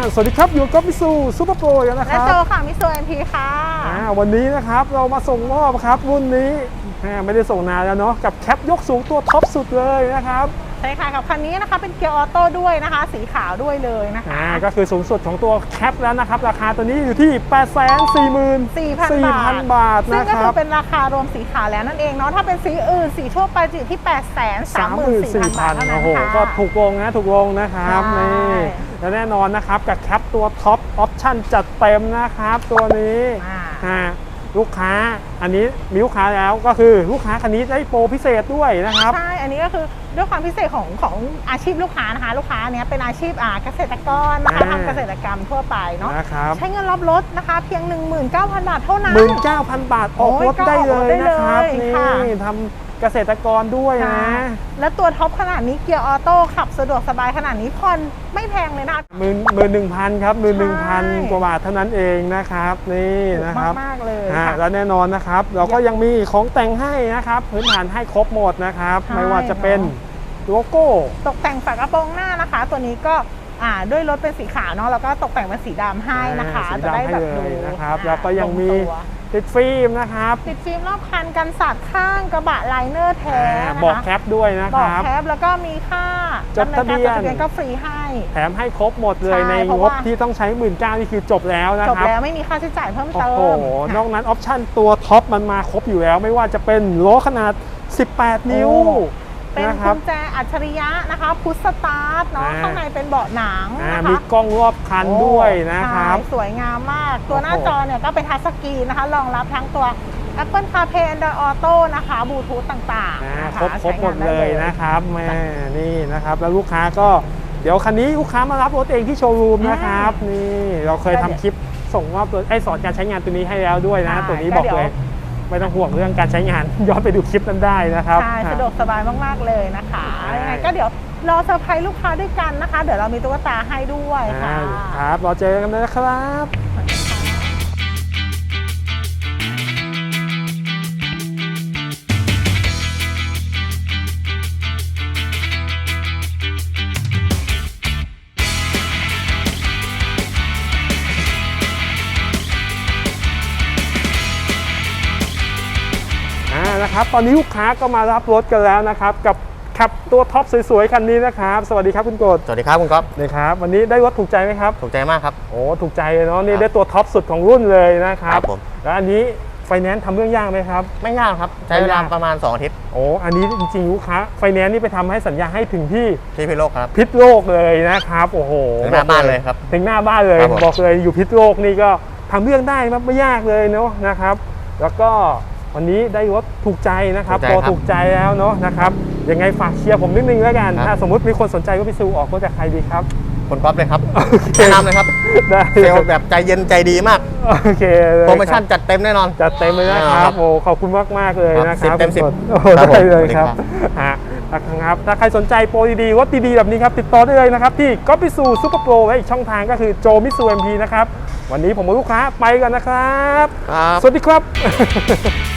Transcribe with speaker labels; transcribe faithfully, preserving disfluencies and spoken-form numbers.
Speaker 1: สวัสดีครับอยู่กับมิซูซูเปอร์โปรกันนะค
Speaker 2: และ
Speaker 1: รับ
Speaker 2: โจค่ะมิโซเอ็มพีค่ะ
Speaker 1: วันนี้นะครับเรามาส่งมอบครับรุ่นนี้ไม่ได้ส่งนานแล้วเนาะกับแคปยกสูงตัวท็อปสุดเลยนะครับ
Speaker 2: ใช่ค่ะกับคันนี้นะคะเป็นเกียร์ออโต้ด้วยนะคะสีขาวด้วยเลยนะคะ
Speaker 1: อ่าก็คือสูงสุดของตัวแคปแล้วนะครับราคาตัวนี้อยู่ที่ แปดแสนสี่หมื่น
Speaker 2: สี่พัน
Speaker 1: บาท
Speaker 2: ซึ่ง
Speaker 1: นะ
Speaker 2: ก็
Speaker 1: ค
Speaker 2: คื
Speaker 1: รั
Speaker 2: อบ เป็นราคารวมสีขาวแล้วนั่นเองเนาะถ้าเป็นสีอื่นสีทั่วไปจะอยู่ที่ แปดแสนสามหมื่นสี่พัน บาทเท่านั้
Speaker 1: โอ้
Speaker 2: น
Speaker 1: โห
Speaker 2: ค่ะ
Speaker 1: ก็ถูกลงนะถูกลงนะครับ
Speaker 2: ใช่
Speaker 1: นี่และแน่นอนนะครับกับแคปตัวท็อปออปชั่นจัดเต็มนะครับตัวนี้
Speaker 2: อ่า
Speaker 1: อ่าลูกค้าอันนี้มีลูกค้าแล้วก็คือลูกค้าคันนี้ได้โปรพิเศษด้วยนะครับ
Speaker 2: ใช่อันนี้ก็คือด้วยความพิเศษของของอาชีพลูกค้านะคะ ลูกค้าเนี้ยเป็นอาชีพอ่าเกษตรกรนะคะ
Speaker 1: อ่า
Speaker 2: ทำเกษตรกรรมทั่วไปเนาะ
Speaker 1: นะครับ
Speaker 2: ใช้เงินรับรถนะคะเพียง หนึ่งหมื่นเก้าพัน บาทเท่านั้น
Speaker 1: หมื่นเก้าพันบาทออกรถได้เลยนะครับ
Speaker 2: โอ้ยก็ออกรถได้เลย
Speaker 1: นี่
Speaker 2: ค่ะ
Speaker 1: ทำเกษตรกรด้วยนะ
Speaker 2: ค่ะและตัวท็อปขนาดนี้เกียร์ออโต้ขับสะดวกสบายขนาดนี้ผ่อนไม่แพงเลยนะ
Speaker 1: หมื่นหมื่นหนึ่งพันครับหมื่นหนึ่งพัน
Speaker 2: ใช่
Speaker 1: กว่าบาทเท่านั้นเองนะครับนี่นะครับ
Speaker 2: มากๆเลย
Speaker 1: อ่า
Speaker 2: ค่ะ
Speaker 1: แล้วแน่นอนนะครับ เราก็ยังมีของแต่งให้นะครับพื้นฐานให้ครบหมดนะครับ
Speaker 2: ใช่
Speaker 1: ไม่ว่าจะเป็น
Speaker 2: เนอะ
Speaker 1: โลโก้
Speaker 2: ตกแต่งฝากระโปรงหน้านะคะ ตัวนี้ก็อ่าด้วยรถเป็นสีขาวเนาะแล้วก็ตกแต่งเป็นสีดำให้นะคะ
Speaker 1: อ่าสี
Speaker 2: จะ
Speaker 1: ดำ
Speaker 2: ได้
Speaker 1: ให้
Speaker 2: แบบ
Speaker 1: เล
Speaker 2: ดู
Speaker 1: ยนะครับ
Speaker 2: อ่า
Speaker 1: แล้วก็ยังมี
Speaker 2: ลตัว
Speaker 1: ติดฟิล์มนะครับ
Speaker 2: ติดฟิล์มรอบคันกันสาดข้างกระบะไลเนอร์แท้
Speaker 1: อ่า
Speaker 2: นะคะ
Speaker 1: บอกแคปด้วยนะ
Speaker 2: บ
Speaker 1: ค
Speaker 2: อก
Speaker 1: รับ
Speaker 2: แคปแล้วก็มีค่า
Speaker 1: จดทะเบียน
Speaker 2: ดำนินการจดทะเบียนก็ฟรีให้
Speaker 1: แถมให้ครบหมดเลย
Speaker 2: ใช่
Speaker 1: ใน
Speaker 2: เพราะ
Speaker 1: งบ
Speaker 2: ว่า
Speaker 1: ที่ต้องใช้หมื่นเก้านี่คือจบแล้วนะ
Speaker 2: จบ
Speaker 1: ครับ
Speaker 2: แล้วไม่มีค่าใช้จ่ายเพิ่ม
Speaker 1: โอ้
Speaker 2: เติ
Speaker 1: โห
Speaker 2: ม
Speaker 1: นอกนั้นออปชั่นตัวท็อปมันมาครบอยู่แล้ว ไม่ว่าจะเป็นล้อขนาด สิบแปด นิ้ว
Speaker 2: โอ้ เป็น
Speaker 1: นะค
Speaker 2: กุ
Speaker 1: รับ
Speaker 2: ญแจอัจฉริยะนะคะพุชสตาร์ทเนาะ
Speaker 1: อ่า
Speaker 2: ข้างในเป็นเบาะหนัง
Speaker 1: อ่า
Speaker 2: นะคะ
Speaker 1: มีกล้องรอบคันด้วยนะครับ
Speaker 2: ใช่สวยงามมาก ตัวหน้า
Speaker 1: โอ้โห
Speaker 2: จอเนี่ยก็เป็นทัชสกรีนนะคะ รองรับทั้งตัว Apple CarPlay Android Auto นะคะบลูทูธต่างๆ
Speaker 1: อ่า
Speaker 2: นะคะ
Speaker 1: ครบครบหมด
Speaker 2: ใช้งาน
Speaker 1: เลยนะครับแม่นี่นะครับ แล้วลูกค้าก็เดี๋ยวคันนี้ลูกค้ามารับรถเองที่โชว์รูมนะครับนี่เราเคยทำคลิปส่งมอบตัวไอ้สอนการใช้งานตัวนี้ให้แล้วด้วยนะ ตัวนี้บอกเลยไม่ต้องห่วงเรื่องการใช้งาน ย้อนไปดูคลิปนั้นได้นะครับ
Speaker 2: ใช่สะดวกสบายมากๆเลยนะคะ
Speaker 1: ใช่
Speaker 2: ยังไงก็เดี๋ยวรอเซอร์ไพรส์ลูกค้าด้วยกันนะคะ เดี๋ยวเรามีตุ๊กตาให้ด้วยค่ะ
Speaker 1: อ่าครับรอเจอกันนะครับ อ่านะครับตอนนี้ลูกค้าก็มารับรถกันแล้วนะครับกับขับตัวท็อปสวยๆคันนี้นะครับสวัสดีครับคุณโกด
Speaker 3: สวัสดีครับคุณก๊อฟ
Speaker 1: นี่ครับวันนี้ได้รถถูกใจไหมครับ
Speaker 3: ถูกใจมากครับ
Speaker 1: โอ้ถูกใจเลยเนาะนี่
Speaker 3: ครับ
Speaker 1: ได้ตัวท็อปสุดของรุ่นเลยนะครับ
Speaker 3: ครับผม
Speaker 1: แล้วอันนี้ไฟแนนซ์ทำเรื่องยากไหมครับ
Speaker 3: ไม่ยากครับ ใช้เวลาประมาณ สอง อาทิตย์
Speaker 1: โอ้อันนี้จริงๆลูกค้าไฟแนนซ์นี่ไปทำให้สัญญาให้ถึงที่
Speaker 3: ที่พิโลกครับ
Speaker 1: พิษโลกเลยนะครับโอ้โห
Speaker 3: ถึงหน้าบ้านเลยครับ
Speaker 1: ถึงหน้าบ้านเลย
Speaker 3: ครับผม
Speaker 1: บอกเลยอยู่พิษโลกนี่ก็ทำเรื่องได้ไม่ยากเลยเนาะนะครับ แล้วก็วันนี้ได้รถถูกใจนะครับพอถูกใจแล้วเนาะนะครับยังไงฝากเชียร์ผมนิดนึงแล้วกันถ้าสมมติมีคนสนใจก็ไปซื้อออกรถจากใครดีครับ
Speaker 3: คุณก๊อฟเลยครับ
Speaker 1: โอเค
Speaker 3: แนะนำเลยครับ
Speaker 1: ได้
Speaker 3: เซลล์แบบใจเย็นใจดีมาก
Speaker 1: โอเคเลย
Speaker 3: โปรโมชั่นจัดเต็มแน่นอน
Speaker 1: จัดเต็มเลยนะค
Speaker 3: แน่นอนครั
Speaker 1: รับบ โอ้ขอบคุณมากมากๆเลยนะค
Speaker 3: ครั
Speaker 1: รับบ
Speaker 3: สิบเต็มสิบ
Speaker 1: โอ้โห
Speaker 3: ครับผม
Speaker 1: ได้เลยครับ
Speaker 3: สวัสดี
Speaker 1: ฮะครับถ้าใครสนใจโปรดีๆรถดีๆแบบนี้ครับติดต่อได้เลยนะครับที่ก๊อปปี้ซูซูเปอร์โปรและอีกช่องทางก็คือโจมิซูเอ็มพีนะครับวันนี้ผมกับลูกค้าไปกันนะครับ
Speaker 3: ครับ
Speaker 1: สวัสดีครับ